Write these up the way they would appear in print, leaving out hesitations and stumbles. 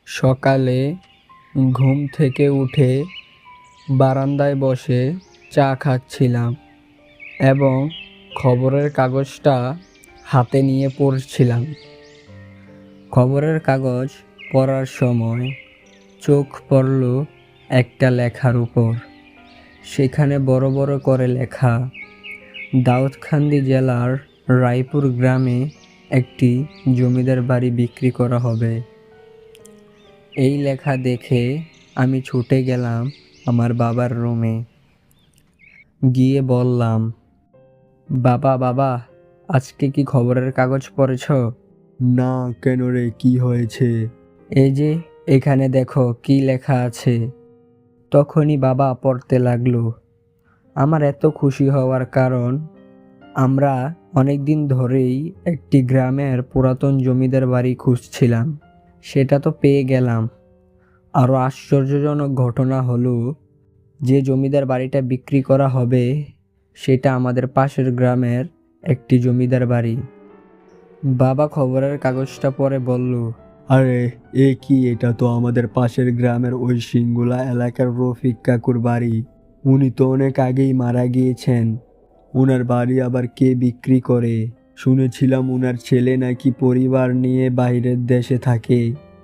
সকালে ঘুম থেকে উঠে বারান্দায় বসে চা খাচ্ছিলাম এবং খবরের কাগজটা হাতে নিয়ে পড়ছিলাম। খবরের কাগজ পড়ার সময় চোখ পড়ল একটা লেখার উপর। সেখানে বড় বড় করে লেখা, দাউদকান্দি জেলার রায়পুর গ্রামে একটি জমিদার বাড়ি বিক্রি করা হবে। এই লেখা দেখে আমি ছুটে গেলাম আমার বাবার রুমে। গিয়ে বললাম, বাবা বাবা আজকে কি খবরের কাগজ পড়েছ? না, কেন রে, কি হয়েছে? এই যে এখানে দেখো কি লেখা আছে। তখনই বাবা পড়তে লাগলো। আমার এত খুশি হওয়ার কারণ, আমরা অনেক দিন ধরেই একটি গ্রামের পুরাতন জমিদার বাড়ি খুঁজছিলাম, সেটা তো পেয়ে গেলাম। আরও আশ্চর্যজনক ঘটনা হলো, যে জমিদার বাড়িটা বিক্রি করা হবে সেটা আমাদের পাশের গ্রামের একটি জমিদার বাড়ি। বাবা খবরের কাগজটা পড়ে বলল, আরে এ কি, এটা তো আমাদের পাশের গ্রামের ওই সিঙ্গুলা এলাকার রফিক কাকুর বাড়ি। উনি তো অনেক আগেই মারা গিয়েছেন। ওনার বাড়ি আবার কে বিক্রি করে? শুনেছিলাম ওনার ছেলে নাকি পরিবার নিয়ে বাইরের দেশে থাকে।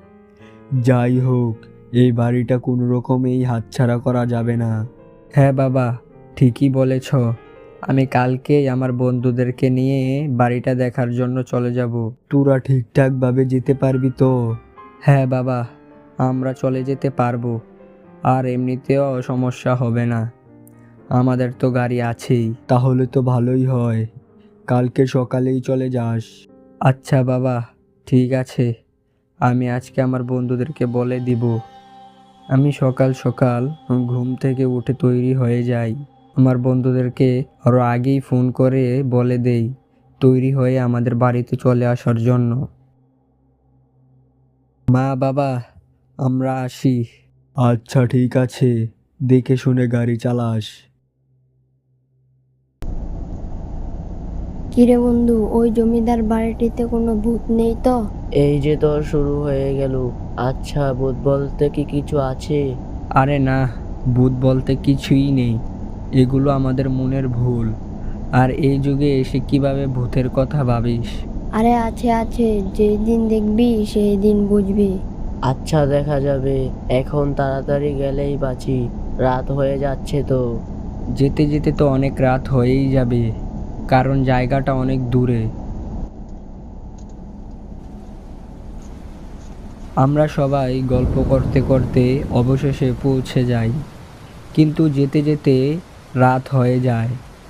যাই হোক, এই বাড়িটা কোনো রকমেই হাতছাড়া করা যাবে না। হ্যাঁ বাবা, ঠিকই বলেছ। আমি কালকেই আমার বন্ধুদেরকে নিয়ে বাড়িটা দেখার জন্য চলে যাব। তোরা ঠিকঠাকভাবে যেতে পারবি তো? হ্যাঁ বাবা, আমরা চলে যেতে পারবো। আর এমনিতেও সমস্যা হবে না, আমাদের তো গাড়ি আছেই। তাহলে তো ভালোই হয়, কালকে সকালেই চলে যাস। আচ্ছা বাবা, ঠিক আছে, আমি আজকে আমার বন্ধুদেরকে বলে দিব। আমি সকাল সকাল ঘুম থেকে উঠে তৈরি হয়ে যাই। আমার বন্ধুদেরকে আরও আগেই ফোন করে বলে দেই তৈরি হয়ে আমাদের বাড়িতে চলে আসার জন্য। মা বাবা, আমরা আসি। আচ্ছা ঠিক আছে, দেখে শুনে গাড়ি চালাস। কিরে বন্ধু, ওই জমিদার বাড়িটিতে কোনো ভূত নেই তো? এই যে তোর শুরু হয়ে গেল। আচ্ছা, ভূত বলতে কি কিছু আছে? আরে না, ভূত বলতে কিছুই নেই, এগুলো আমাদের মনের ভুল। আর এই যুগে এসে কিভাবে ভূতের কথা ভাবিস? আরে আছে আছে, যেই দিন দেখবি সেই দিন বুঝবি। আচ্ছা, দেখা যাবে, এখন তাড়াতাড়ি গেলেই বাঁচি, রাত হয়ে যাচ্ছে তো। যেতে যেতে তো অনেক রাত হয়েই যাবে, কারণ জায়গাটা অনেক দূরে। আমরা সবাই গল্প করতে করতে অবশেষে পৌঁছে যাই, কিন্তু যেতে যেতে রাত হয়ে যায়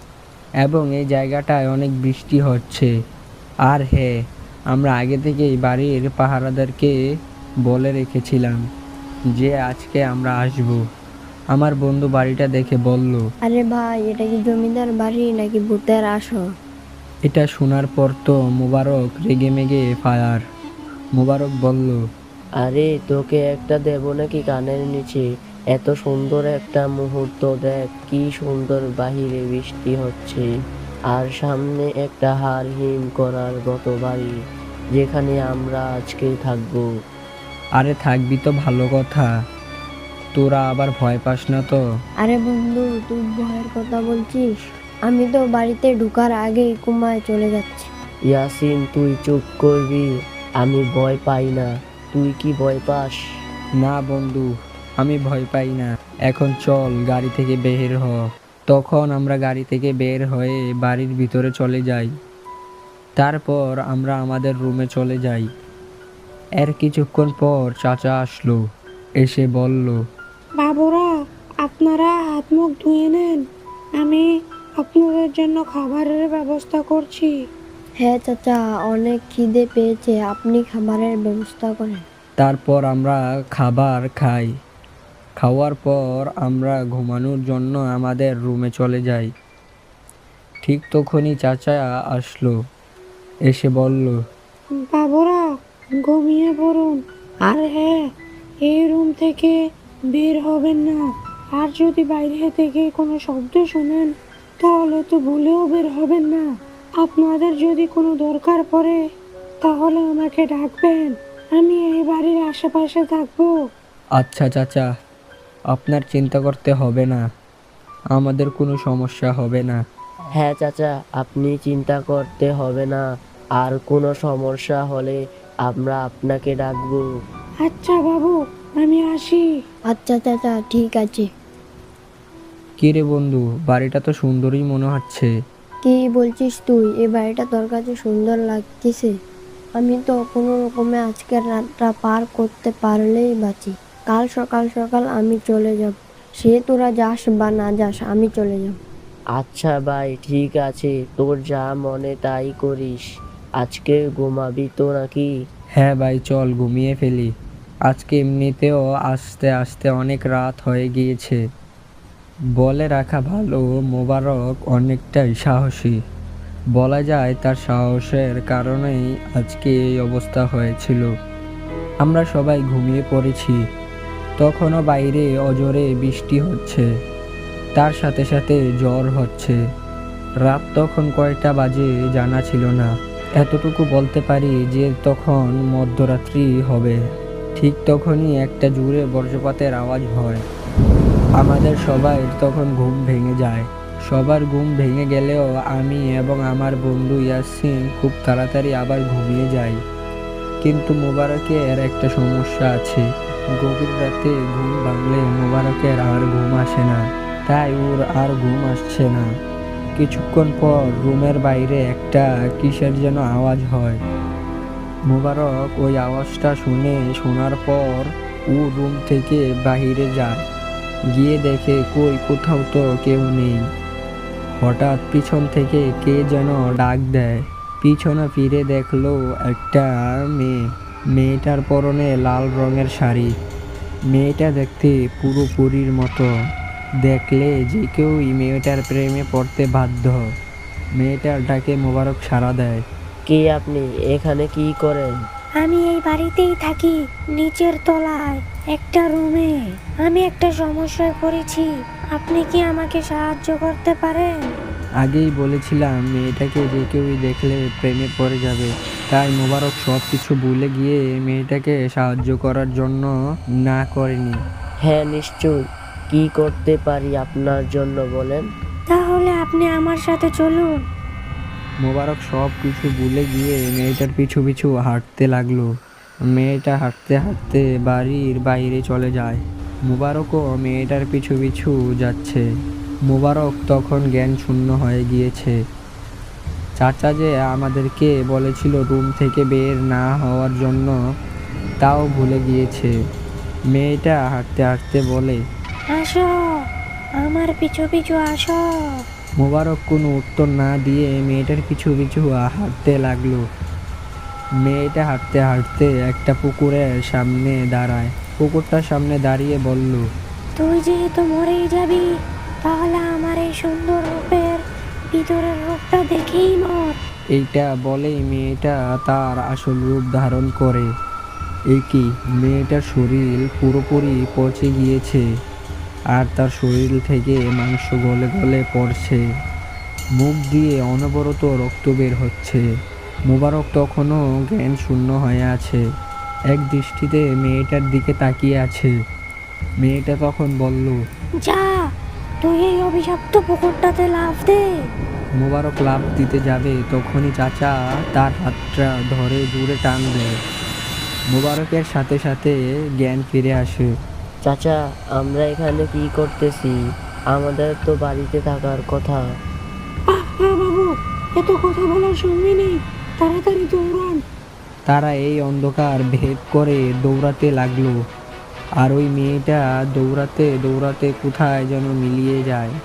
এবং এই জায়গাটায় অনেক বৃষ্টি হচ্ছে। আর হ্যাঁ, আমরা আগে থেকেই বাড়ির পাহারাদারকে বলে রেখেছিলাম যে আজকে আমরা আসব। আমার বন্ধু বাড়িটা দেখে বলল, আরে ভাই, এটা কি জমিদার বাড়ি নাকি ভূতের আসর? এটা শোনার পর তো মোবারক রেগে মেগে ফায়ার। মোবারক বলল, আরে তোকে একটা দেব নাকি কানের নিচে? এত সুন্দর একটা মুহূর্ত দেখ, কি সুন্দর বাহিরে বৃষ্টি হচ্ছে, আর সামনে একটা হাড় হিম করার মতো বাড়ি, যেখানে আমরা আজকে থাকবো। আরে থাকবি তো ভালো কথা, তোরা আবার ভয় পাস না তো? আরে বন্ধু, তুই ভয়ের কথা বলছিস? আমি তো বাড়িতে ঢোকার আগেই কুমায় চলে যাচ্ছি। ইয়াসিন, তুই চুপ করবি। আমি ভয় পাই না, তুই কি ভয় পাস? না বন্ধু, আমি ভয় পাই না। এখন চল গাড়ি থেকে বের হ। তখন আমরা গাড়ি থেকে বের হয়ে বাড়ির ভিতরে চলে যাই। তারপর আমরা আমাদের রুমে চলে যাই। এর কিছুক্ষণ পর চাচা আসলো, এসে বলল, বাবুরা, আপনারা হাত মুখ ধুয়ে নেন, আমি আপনাদের জন্য খাবারের ব্যবস্থা করছি। হ্যাঁ চাচা, অনেক খিদে পেয়েছে, আপনি খাবারের ব্যবস্থা করেন। তারপর আমরা খাবার খাই। খাওয়ার পর আমরা ঘুমানোর জন্য আমাদের রুমে চলে যাই। ঠিক তখনই চাচা আসলো, এসে বলল, বাবুরা, ঘুমিয়ে পড়ুন। আর হ্যাঁ, এই রুম থেকে বের হবেন না। আর যদি বাইরে থেকে কোনো শব্দ শোনেন তাহলে তো ভুলেও বের হবেন না। আপনাদের যদি কোনো দরকার পড়ে তাহলে আমাকে ডাকবেন, আমি এই বাড়ির আশেপাশে থাকবো। আচ্ছা চাচা, আপনার চিন্তা করতে হবে না, আমাদের কোনো সমস্যা হবে না। হ্যাঁ চাচা, আপনি চিন্তা করতে হবে না। আর কোনো সমস্যা হলে আমরা আপনাকে ডাকবো। আচ্ছা বাবু, আমি আসি। আচ্ছা চাচা, ঠিক আছে। কি রে বন্ধু, বাড়িটা তো সুন্দরই মনে হচ্ছে। কি বলছিস তুই? এই বাড়িটা তোর কাছে সুন্দর লাগতেছে? আমি তো কোনো রকমে আজকের রাতটা পার করতে পারলেই বাঁচি। কাল সকাল সকাল আমি চলে যাব। সে তোরা যাস বা না যাস, আমি চলে যাব। আচ্ছা ভাই, ঠিক আছে, তোর যা মনে তাই করিস। আজকে ঘুমাবি তো নাকি? হ্যাঁ ভাই, চল ঘুমিয়ে ফেলি। আজকে এমনিতেও আস্তে আস্তে অনেক রাত হয়ে গিয়েছে। বলে রাখা ভালো, মোবারক অনেকটাই সাহসী। বলা যায় তার সাহসের কারণেই আজকে এই অবস্থা হয়েছিল। আমরা সবাই ঘুমিয়ে পড়েছি। তখনও বাইরে অজোরে বৃষ্টি হচ্ছে, তার সাথে সাথে ঝড় হচ্ছে। রাত তখন কয়টা বাজে জানা ছিল না। এতটুকু বলতে পারি যে তখন মধ্যরাত্রি হবে। ঠিক তখনই একটা জোরে বজ্রপাতের আওয়াজ হয়। আমাদের সবাই তখন ঘুম ভেঙে যায়। সবার ঘুম ভেঙে গেলেও আমি এবং আমার বন্ধু ইয়াসিন খুব তাড়াতাড়ি আবার ঘুমিয়ে যাই। কিন্তু মোবারকের একটা সমস্যা আছে। গভীর রাতে ঘুম ভাঙলে মোবারকের আর ঘুম আসে না, তাই ওর আর ঘুম আসছে না। কিছুক্ষণ পর রুমের বাইরে একটা কিসের যেন আওয়াজ হয়। মোবারক ওই আওয়াজটা শোনার পর ও রুম থেকে বাইরে যায়। গিয়ে দেখে কোথাও তো কেউ নেই। হঠাৎ পিছন থেকে কে যেন ডাক দেয়। পিছনে ফিরে দেখলো একটা মেয়ে। মেয়েটার পরনে লাল রঙের শাড়ি। মেয়েটা দেখতে পুরোপুরির মতো। দেখলে যে কেউই মেয়েটার প্রেমে পড়তে বাধ্য। মেয়েটার ডাকে মোবারক সাড়া দেয়। কে আপনি? এখানে কি করেন? আমি এই বাড়িতেই থাকি, নিচের তলায় একটা রুমে। আমি একটা সমস্যায় পড়েছি, আপনি কি আমাকে সাহায্য করতে পারেন? আগেই বলেছিলাম মেয়েটাকে যে কেউই দেখলে প্রেমে পড়ে যাবে, তাই মোবারক সব কিছু ভুলে গিয়ে মেয়েটাকে সাহায্য করার জন্য না করেনি। হ্যাঁ নিশ্চয়, কি করতে পারি আপনার জন্য বলেন। তাহলে আপনি আমার সাথে চলুন। মোবারক সব কিছু ভুলে গিয়ে মেয়েটার পিছু পিছু হাঁটতে লাগলো। মেয়েটা হাঁটতে হাঁটতে বাড়ির বাইরে চলে যায়। মোবারকও মেয়েটার পিছু পিছু যাচ্ছে। মোবারক তখন জ্ঞান শূন্য হয়ে গিয়েছে। চাচা যে আমাদেরকে বলেছিল রুম থেকে বের না হওয়ার জন্য, তাও ভুলে গিয়েছে। মেয়েটা হাঁটতে হাঁটতে বলে, আসো, আমার পিছু পিছু আসো। মোবারক কোনো উত্তর না দিয়ে মেয়েটার পিছু পিছু হাঁটতে লাগলো। মেয়েটা হাঁটতে হাঁটতে একটা পুকুরের সামনে দাঁড়ায়। পুকুরটার সামনে দাঁড়িয়ে বলল, তুই যেহেতু মরেই যাবি, তাহলে আমার এই সুন্দর রূপের ভিতরের রূপটা দেখেই মর। এইটা বলেই মেয়েটা তার আসল রূপ ধারণ করে। এই কি, মেয়েটার শরীর পুরোপুরি পচে গিয়েছে, আর তার শরীর থেকে মাংস গলে গলে পড়ছে। মুখ দিয়ে অনবরত রক্ত বের হচ্ছে। মোবারক তখনও জ্ঞান শূন্য হয়ে আছে, এক দৃষ্টিতে মেয়েটার দিকে তাকিয়ে আছে। মেয়েটা তখন বলল, যা, তুই এই অভিশপ্ত পুকুরটাতে লাফ দে। মোবারক লাফ দিতে যাবে, তখনই চাচা তার হাতটা ধরে জোরে টান দেয়। মোবারকের সাথে সাথে জ্ঞান ফিরে আসে। চাচা, আমরা এখানে কি করতেছি? আমাদের তো বাড়িতে থাকার কথা। বাবু, এত কথা বলার সময় নেই, তাড়াতাড়ি দৌড়ান। তারা এই অন্ধকার ভেদ করে দৌড়াতে লাগলো। আর ওই মেয়েটা দৌড়াতে দৌড়াতে কোথায় যেন মিলিয়ে যায়।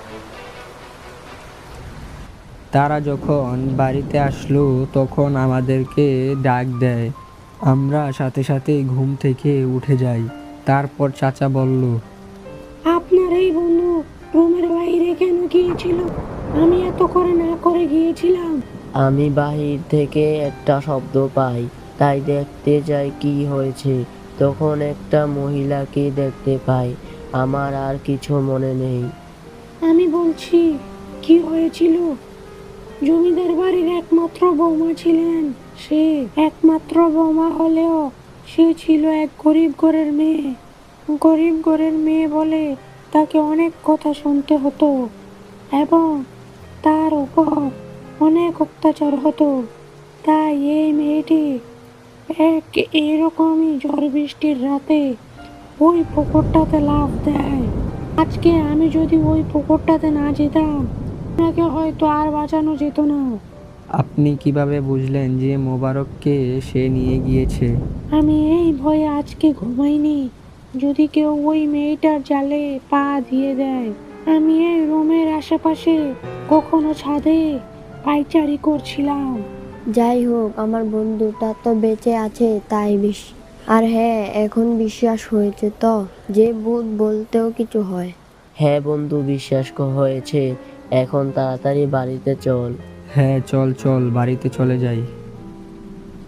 তারা যখন বাড়িতে আসলো তখন আমাদেরকে ডাক দেয়। আমরা সাথে সাথে ঘুম থেকে উঠে যাই। তারপর চাচা বলল, আপনার এই বন্ধু রুমের বাইরে কেন গিয়েছিল? আমি এত করে না করে গিয়েছিলাম। আমি বাহির থেকে একটা শব্দ পাই, তাই দেখতে যাই কি হয়েছে। তখন একটা মহিলাকে দেখতে পাই। আমার আর কিছু মনে নেই। আমি বলছি, কি হয়েছিল? জমিদার বাড়ির একমাত্র বৌমা ছিলেন। সে একমাত্র বৌমা হলেও সে ছিল এক গরিব ঘরের মেয়ে। গরিব ঘরের মেয়ে বলে তাকে অনেক কথা শুনতে হতো এবং তার উপর অনেক অত্যাচার হতো। তাই এই মেয়েটি এক এরকমই ঝড় বৃষ্টির রাতে ওই পুকুরটাতে লাফ দেয়। আজকে আমি যদি ওই পুকুরটাতে না যেতাম, আপনাকে হয়তো আর বাঁচানো যেত না। আপনি কিভাবে বুঝলেন যে মোবারককে সে নিয়ে গিয়েছে? আমি এই ভয়ে আজকে ঘুমাইনি, যদি কেউ ওই মেয়েটার জালে পা দিয়ে দেয়। আমি এই রুমের আশেপাশে কখনো ছাদে পায়চারি করছিলাম। যাই হোক, আমার বন্ধুটা তো বেঁচে আছে তাই বেশি। আর হ্যাঁ, এখন বিশ্বাস হয়েছে তো যে ভূত বলতেও কিছু হয়। হ্যাঁ বন্ধু, বিশ্বাস হয়েছে। এখন তাড়াতাড়ি বাড়িতে চল। হ্যাঁ, চল চল বাড়িতে চলে যাই।